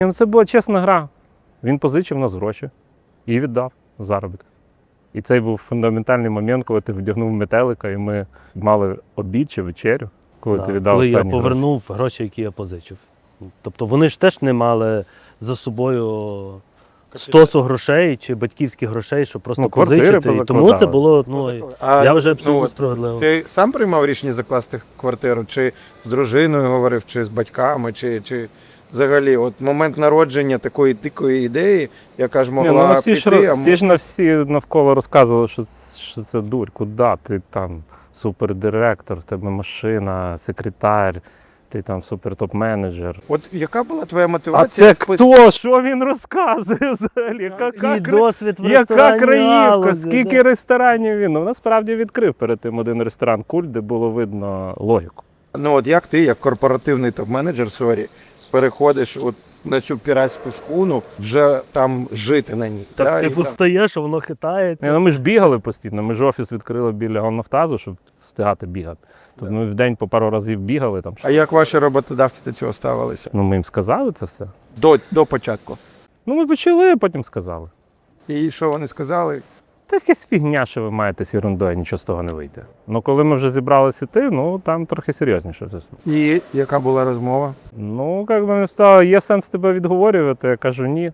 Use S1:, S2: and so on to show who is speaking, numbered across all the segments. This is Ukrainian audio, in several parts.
S1: Ну, це була чесна гра. Він позичив нас гроші і віддав заробітки. І цей був фундаментальний момент, коли ти вдягнув метелика, і ми мали обід чи вечерю, коли ти віддав
S2: коли я
S1: останні
S2: повернув гроші, які я позичив. Тобто вони ж теж не мали за собою стосу грошей чи батьківських грошей, щоб просто
S1: квартири
S2: позичити. І тому це було, я вже абсолютно справедливо.
S3: Ти сам приймав рішення закласти квартиру? Чи з дружиною говорив, чи з батьками, чи взагалі от момент народження такої дикої ідеї, яка ж могла
S1: ну,
S3: піти,
S1: всі ж всі навколо розказували, що це дурь, куди ти там супердиректор, в тебе машина, секретар, ти там супер-топ-менеджер.
S3: От яка була твоя
S1: А
S3: мотивація?
S1: це хто? Що він розказує взагалі?
S2: І досвід в
S1: Яка
S2: ресторанній
S1: краївка,
S2: галузі,
S1: скільки ресторанів він? Ну, насправді відкрив перед тим один ресторан «Культ», де було видно логіку.
S3: Ну от як ти, як корпоративний топ-менеджер, сорі, переходиш от на цю піратську схуну, вже там жити на ній.
S2: Так,
S3: да,
S2: типу,
S3: і там-
S2: стаєш, а воно хитається.
S1: Ну, ми ж бігали постійно, ми ж офіс відкрили біля Нафтазу, щоб встигати бігати. Тобто ми в день по пару разів бігали там.
S3: А як ваші роботодавці до цього ставилися?
S1: Ну, ми їм сказали це все.
S3: До початку.
S1: Ну, ми почали, а потім сказали.
S3: І що вони сказали?
S1: Та якась фігня, що ви маєте з ерундою, нічого з того не вийде. Ну, коли ми вже зібралися йти, ну, там трохи серйозніше все.
S3: І яка була розмова?
S1: Ну, як мене спитали, є сенс тебе відговорювати? Я кажу, ні.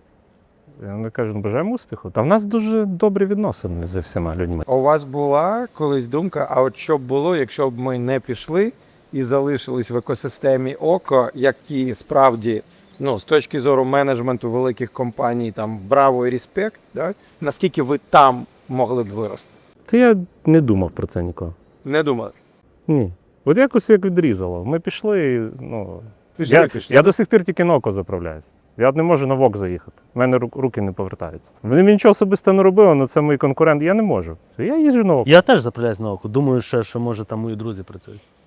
S1: Я кажу, ну, бажаємо успіху. Та в нас дуже добрі відносини зі всіма людьми.
S3: У вас була колись думка, а от що б було, якщо б ми не пішли і залишились в екосистемі ОКО, які справді, ну, з точки зору менеджменту великих компаній, там, браво і респект, да? Наскільки ви там могли б вирости?
S1: Та я не думав про це ніколи.
S3: Не думали?
S1: Ні. От якось як відрізало. Ми пішли, і, ну...
S3: Пішли.
S1: Я до сих пір тільки на ОКО заправляюся. Я не можу на ВОК заїхати. У мене руки не повертаються. Вони мені нічого особисто не робили, але це мій конкурент. Я не можу. Я їжджу на ОКО.
S2: Я теж заправляюсь на око. Думаю, що може там мої друзі працюють.